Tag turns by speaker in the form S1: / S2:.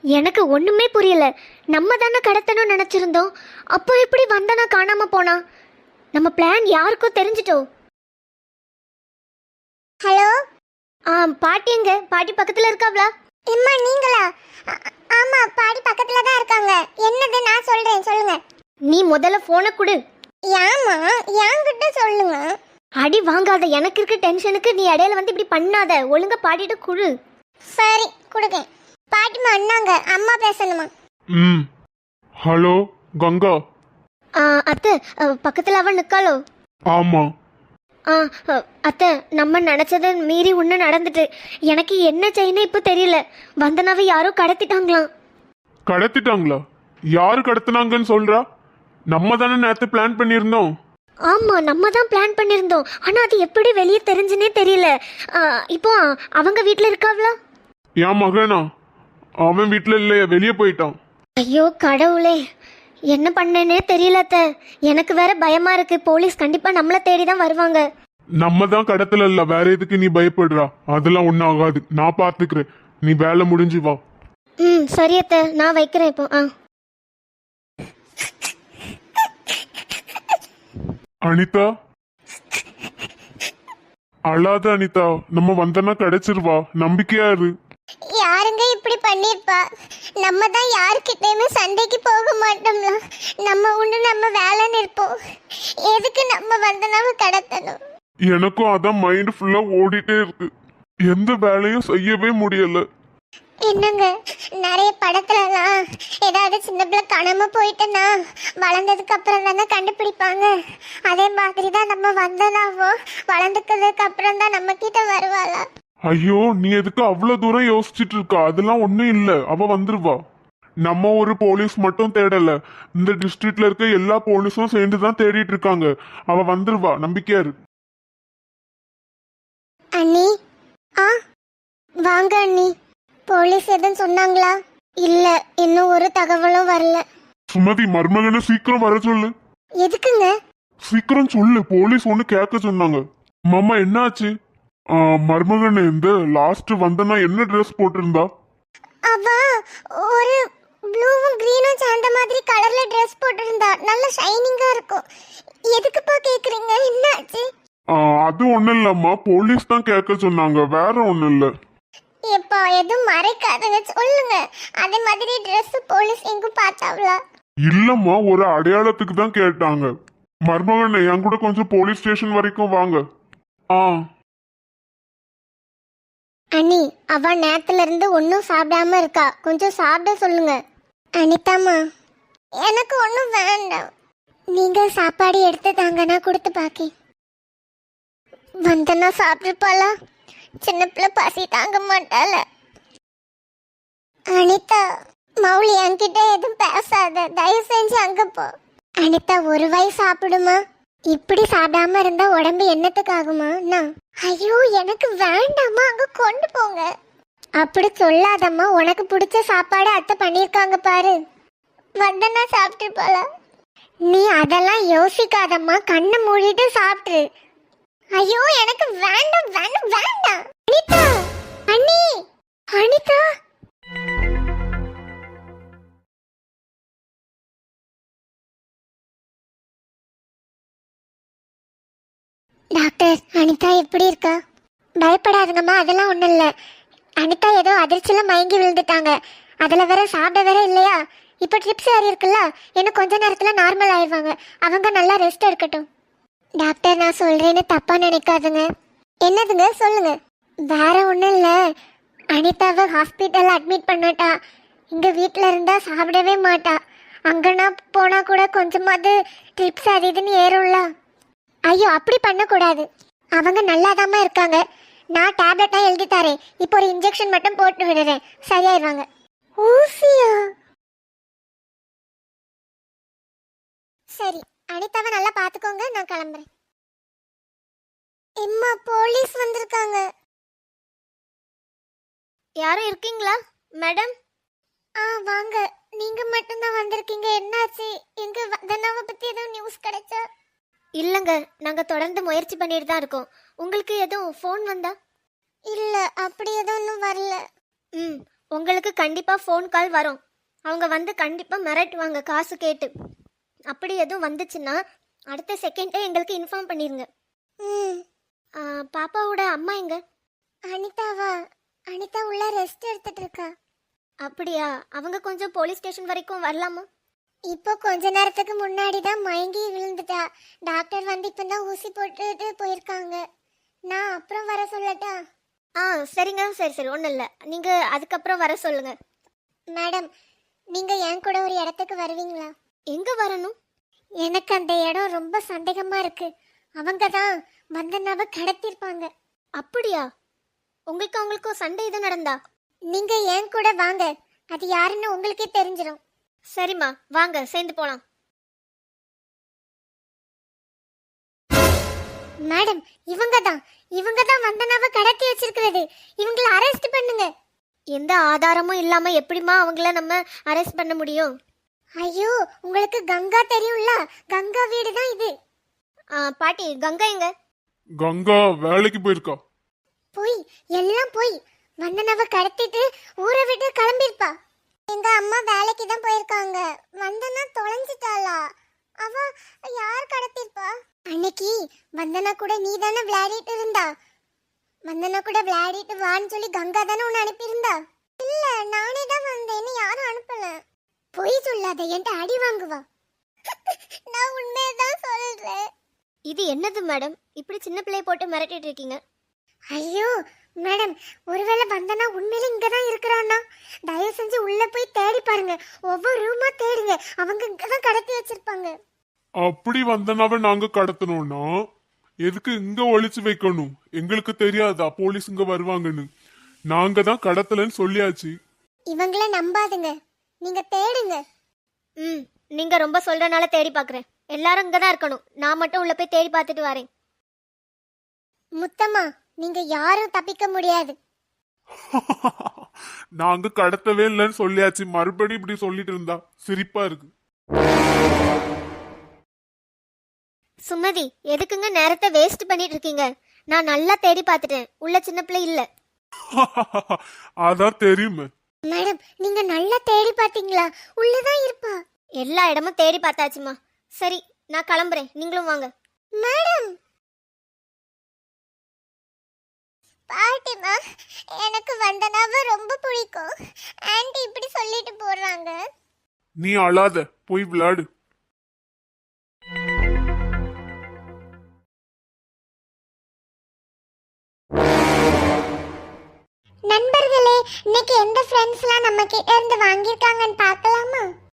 S1: எனக்கு ஒண்ணுமே புரியல. நம்ம தானே கடத்தணும்னு நினைச்சிருந்தோம். அப்போ எப்படி வந்தனா காணாம போனா? நம்ம பிளான் யாருக்கோ தெரிஞ்சிட்டோம்.
S2: ஹலோ.
S1: பாட்டி எங்க? பாட்டி பக்கத்துல இருக்காங்களா?
S2: அம்மா நீங்களா? ஆமா, பாடி பக்கத்துல தான் இருக்காங்க. என்னது? நான் சொல்றேன், சொல்லுங்க.
S1: நீ முதல்ல போனை கொடு.
S2: ஏமா என்கிட்ட சொல்லுங்க.
S1: அடி வாங்காத, எனக்கு இருக்க டென்ஷனுக்கு நீ இடையில வந்து இப்படி பண்ணாத. ஒழுங்கா பாட்டிட்டு குடு.
S2: சரி கொடுங்க. பாட்டிமா அண்ணாங்க, அம்மா பேசணுமா?
S3: ஹலோ கங்கா.
S1: அத்தை, பக்கத்துல அவன் நிக்காளோ?
S3: ஆமா.
S1: அத்தை, நம்ம நினைச்சதை மீறி ஒன்று நடந்துட்டு. எனக்கு என்ன செய்யணும் இப்போ தெரியல. வந்தனாவை யாரோ கடத்திட்டாங்களாம்.
S3: கடத்திட்டாங்களா? யாரு கடத்தினாங்கன்னு சொல்றா? நம்ம தானே நேத்து பிளான் பண்ணியிருந்தோம்.
S1: ஆமா, நம்ம தான் பிளான் பண்ணியிருந்தோம். ஆனா அது எப்படி வெளியே தெரிஞ்சுனே தெரியல. இப்போ அவங்க வீட்டில் இருக்காங்களா?
S3: என் மகனா? அவன் வீட்டுல இல்லையா, வெளியே போயிட்டான்.
S1: ஐயோ கடவுளே, என்ன பண்ணேனே தெரியல அத்தை. எனக்கு வேற பயமா இருக்கு. போலீஸ் கண்டிப்பா நம்மளை தேடி தான் வருவாங்க.
S3: நம்ம தான் கடத்தல இல்ல, வேற எதுக்கு நீ பயப்படுறா? அதெல்லாம் ஒன்றும் ஆகாது, நான் பாத்துக்கிறேன். நீ வேலை முடிஞ்சு வா.
S1: சரி அத்தை, நான் வைக்கிறேன் இப்போ.
S3: அனிதா, அழாத அனிதா, நம்ம வந்தனா கிடைச்சிருவா, நம்பிக்கையா இரு.
S2: யாருங்க இப்படி பண்ணிருப்பா? நம்ம தான் யாருக்கிட்டயுமே சண்டைக்கு போக மாட்டோம்ல. நம்ம உண்டு நம்ம வேலைன்னு இருப்போம். எதுக்கு நம்ம வந்தனாவை கடத்தணும்?
S3: எனக்கும் அதான் மைண்ட் ஃபுல்லா ஓடிட்டே இருக்கு. எந்த வேலையும் செய்யவே முடியல.
S2: என்னங்க, நிறைய படத்துலலாம் ஏதாவது சின்ன பிள்ளை காணாம போயிட்டேன்னா வளர்ந்ததுக்கு அப்புறம் தானே கண்டுபிடிப்பாங்க. அதே மாதிரி தான் நம்ம வந்தனாவோ வளர்ந்துக்கிறதுக்கு அப்புறம் தான் நம்ம கிட்ட வருவாளா?
S3: ஐயோ, நீ எதுக்கு அவ்வளவு தூரம் யோசிச்சுட்டு இருக்கா? அதெல்லாம் ஒண்ணும் இல்ல, அவ வந்துருவா. நம்ம ஒரு போலீஸ் மட்டும் தேடல, இந்த டிஸ்ட்ரிக்ட்ல இருக்க எல்லா போலீஸும் சேர்ந்துதான் தேடிட்டு இருக்காங்க. அவ வந்துருவா, நம்பிக்கையா இரு.
S2: அண்ணி, வாங்க அண்ணி. போலீஸ் எதுவும் சொன்னாங்களா? இல்ல, இன்னும் ஒரு தகவலும் வரல.
S3: சுமதி, மருமகனை சீக்கிரம் வர சொல்லு.
S2: எதுக்குங்க?
S3: சீக்கிரம் சொல்லு, போலீஸ் ஒண்ணு கேட்க சொன்னாங்க. மாமா என்னாச்சு? மருமகன் இந்த லாஸ்ட் வந்தனா என்ன ட்ரெஸ் போட்டிருந்தா?
S2: அவ ஒரு ப்ளூவும் கிரீனும் சேர்ந்த மாதிரி கலர்ல ட்ரெஸ் போட்டிருந்தா. நல்ல ஷைனிங்கா இருக்கும். எதுக்குப்பா கேக்குறீங்க? என்னாச்சு?
S3: அது ஒண்ணும் இல்லம்மா, போலீஸ் தான் கேட்க சொன்னாங்க, வேற ஒண்ணும் இல்ல.
S2: எப்பா எதுவும் மறைக்காதங்க, சொல்லுங்க. அதே மாதிரி ட்ரெஸ் போலீஸ் எங்கும் பார்த்தாவளா?
S3: இல்லம்மா, ஒரு அடையாளத்துக்கு தான் கேட்டாங்க. மருமகன் என் கூட கொஞ்சம் போலீஸ் ஸ்டேஷன் வரைக்கும் வாங்க.
S2: அண்ணி, அவ நேரத்துல இருந்து ஒன்னும் சாப்பிடாம இருக்கா. கொஞ்சம் சாப்பிட சொல்லுங்க. அனிதாமா, எனக்கு ஒன்னும் வேண்டாம். நீங்க சாப்பாடு எடுத்து தாங்கன்னா கொடுத்து பாக்கி. வந்தனா சாப்பிட்டுப்பாளா? சின்ன பிள்ளை பசி தாங்க மாட்டாள. அனிதா, மௌலி என்கிட்ட எதுவும் பேசாத, தயவு செஞ்சு அங்க போ. அனிதா, ஒரு வாய் சாப்பிடுமா? இப்படி சாப்பிடாம இருந்தா உடம்பு என்னத்துக்கு ஆகுமா? ஐயோ, எனக்கு வேண்டாமா, அங்க கொண்டு போங்க. அப்படி சொல்லாதம்மா, உனக்கு பிடிச்ச சாப்பாடு அத்தை பண்ணிருக்காங்க பாரு. வந்தனா சாப்பிட்டு போல. நீ அதெல்லாம் யோசிக்காதம்மா, கண்ணை மூடிட்டு சாப்பிட்டு. ஐயோ, எனக்கு வேண்டாம் வேண்டாம் வேண்டாம். அனிதா, அண்ணி, அனிதா. டாக்டர், அனிதா எப்படி இருக்கா? பயப்படாதுங்கம்மா, அதெல்லாம் ஒன்றும் இல்லை. அனிதா ஏதோ அதிர்ச்சியில் மயங்கி விழுந்துட்டாங்க. அதில் வேற சாப்பிட வேற இல்லையா? இப்போ ட்ரிப்ஸ் ஏறி இருக்குல்ல, இன்னும் கொஞ்ச நேரத்தில் நார்மல் ஆயிடுவாங்க. அவங்க நல்லா ரெஸ்ட் எடுக்கட்டும். டாக்டர், நான் சொல்கிறேன்னு தப்பாக நினைக்காதுங்க. என்னதுங்க, சொல்லுங்க. வேற ஒன்றும் இல்லை, அனிதாவை ஹாஸ்பிட்டலில் அட்மிட் பண்ணட்டா. இங்கே வீட்டில் இருந்தால் சாப்பிடவே மாட்டா. அங்கன்னா போனால் கூட கொஞ்சமாவது ட்ரிப்ஸ் அது இதுன்னு ஏறும்ல. ஐயோ, அப்படி பண்ணக்கூடாது. அவங்க நல்லாதாம்மா இருக்காங்க. நான் டேப்லெட்டாக எழுதி தரேன். இப்போ ஒரு இன்ஜெக்ஷன் மட்டும் போட்டு விடுறேன், சரியாயிருவாங்க. ஊசியா? சரி, அனிதாவை நல்லா பார்த்துக்கோங்க, நான் கிளம்புறேன். எம்மா, போலீஸ் வந்திருக்காங்க.
S1: யாரும் இருக்கீங்களா மேடம்?
S2: வாங்க. நீங்க மட்டும்தான் வந்திருக்கீங்க. என்னாச்சு? எங்க வந்தனாவை பத்தி எதுவும் நியூஸ் கிடைச்சா?
S1: இல்லைங்க, நாங்கள் தொடர்ந்து முயற்சி பண்ணிட்டு தான் இருக்கோம். உங்களுக்கு எதுவும் ஃபோன் வந்தா?
S2: இல்ல, அப்படி எதுவும் இன்னும் வரல.
S1: உங்களுக்கு கண்டிப்பா ஃபோன் கால் வரும். அவங்க வந்து கண்டிப்பா மிரட்டுவாங்க காசு கேட்டு. அப்படி எதுவும் வந்துச்சுன்னா அடுத்த செகண்டே எங்களுக்கு இன்ஃபார்ம் பண்ணிருங்க.
S2: ம்.
S1: பாப்பாவோட அம்மா எங்க?
S2: அனிதாவா? அனிதா உள்ள ரெஸ்ட் எடுத்துட்டு இருக்கா.
S1: அப்படியா? அவங்க கொஞ்சம் போலீஸ் ஸ்டேஷன் வரைக்கும் வரலாமா?
S2: இப்போ கொஞ்ச நேரத்துக்கு முன்னாடி தான் மயங்கி விழுந்துட்டா. டாக்டர் வந்து இப்பதான் ஊசி போட்டுட்டு போயிருக்காங்க. நான் அப்புறம் வர சொல்லட்டா?
S1: சரிங்க, சரி சரி, ஒன்றும் இல்லை. நீங்கள் அதுக்கப்புறம் வர சொல்லுங்க.
S2: மேடம், நீங்க என் கூட ஒரு இடத்துக்கு வருவீங்களா?
S1: எங்கே வரணும்?
S2: எனக்கு அந்த இடம் ரொம்ப சந்தேகமா இருக்கு. அவங்க தான் வந்தனாவை கடத்திருப்பாங்க.
S1: அப்படியா? உங்களுக்கு அவங்களுக்கும் சண்டை எதுவும் நடந்தா?
S2: நீங்க என் கூட வாங்க, அது யாருன்னு உங்களுக்கே தெரிஞ்சிடும்.
S1: சரிம்மா, வாங்க சேர்ந்து போகலாம்.
S2: மேடம், இவங்க தான் வந்தனாவை கடத்தி வச்சிருக்கிறது. இவங்கள அரெஸ்ட் பண்ணுங்க.
S1: எந்த ஆதாரமும் இல்லாமல் எப்படிம்மா அவங்கள நம்ம அரெஸ்ட் பண்ண முடியும்?
S2: ஐயோ, உங்களுக்கு கங்கா தெரியும்ல? கங்கா வீடு தான் இது.
S1: பாட்டி, கங்கா எங்க?
S3: கங்கா வேலைக்கு போயிருக்கா.
S2: எல்லாம் போய் வந்தனாவை கடத்திட்டு ஊரை விட்டு கிளம்பிருப்பா. எங்க அம்மா வேலைக்கு தான் போயிருக்காங்க. வந்தனா தொலைஞ்சிட்டாளா? அவ யார் கடத்திருப்பா? அன்னைக்கு வந்தனா கூட நீ தானே விளையாடிட்டு இருந்தா. வந்தனா கூட விளையாடிட்டு வான்னு சொல்லி கங்கா தானே உன்னை அனுப்பியிருந்தா. இல்ல, நானே தான் வந்தேன்னு யாரும் அனுப்பல. பொய் சொல்லாத, என்கிட்ட அடி வாங்குவா. நான் உண்மையதான் சொல்றேன்.
S1: இது என்னது மேடம், இப்படி சின்ன பிள்ளைய போட்டு மிரட்டிட்டு இருக்கீங்க?
S2: ஐயோ மேடம், ஒருவேளை வந்தனா உண்மையில இங்கதான் இருக்கிறான்னா? தயவு செஞ்சு உள்ள போய் தேடி பாருங்க. ஒவ்வொரு ரூமா தேடுங்க. அவங்க இங்கதான் கடத்தி வச்சிருப்பாங்க.
S3: அப்படி வந்தனாவை நாங்க கடத்தணும்னா எதுக்கு இங்க ஒளிச்சு வைக்கணும்? எங்களுக்கு தெரியாதா போலீஸ் இங்க வருவாங்கன்னு? நாங்க தான் கடத்தலன்னு சொல்லியாச்சு.
S2: இவங்கள நம்பாதுங்க, நீங்க தேடுங்க.
S1: நீங்க ரொம்ப சொல்றனால தேடி பார்க்குறேன். எல்லாரும் இங்கே தான் இருக்கணும். நான் மட்டும் உள்ள போய் தேடி பார்த்துட்டு வரேன்.
S2: முத்தம்மா, நீங்க யாரும் தப்பிக்க முடியாது.
S3: நாங்க கடத்தவே இல்லைன்னு சொல்லியாச்சு. மறுபடியும் இப்படி சொல்லிட்டு இருந்தா சிரிப்பா இருக்கு.
S1: சுமதி, எதுக்குங்க நேரத்தை வேஸ்ட் பண்ணிட்டு இருக்கீங்க? நான் நல்லா தேடி பார்த்துட்டேன். உள்ள சின்ன பிள்ளை இல்ல.
S3: அதான் தெரியுமே.
S2: மேடம், நீங்க நல்லா தேடி பாத்தீங்களா? உள்ளதான் இருப்பா.
S1: எல்லா இடமும் தேடி பார்த்தாச்சுமா. சரி, நான் கிளம்புறேன். நீங்களும் வாங்க.
S2: மேடம், பாட்டிமா, எனக்கு வந்தனாவை ரொம்ப பிடிக்கும். ஆன்ட்டி இப்படி சொல்லிட்டு போறாங்க.
S3: நீ அழாத, போய் விளையாடு.
S2: நண்பர்களே, இன்னைக்கு எந்த ஃப்ரெண்ட்ஸ்லாம் நம்ம கிட்ட இருந்து வாங்கியிருக்காங்கன்னு பார்க்கலாமா?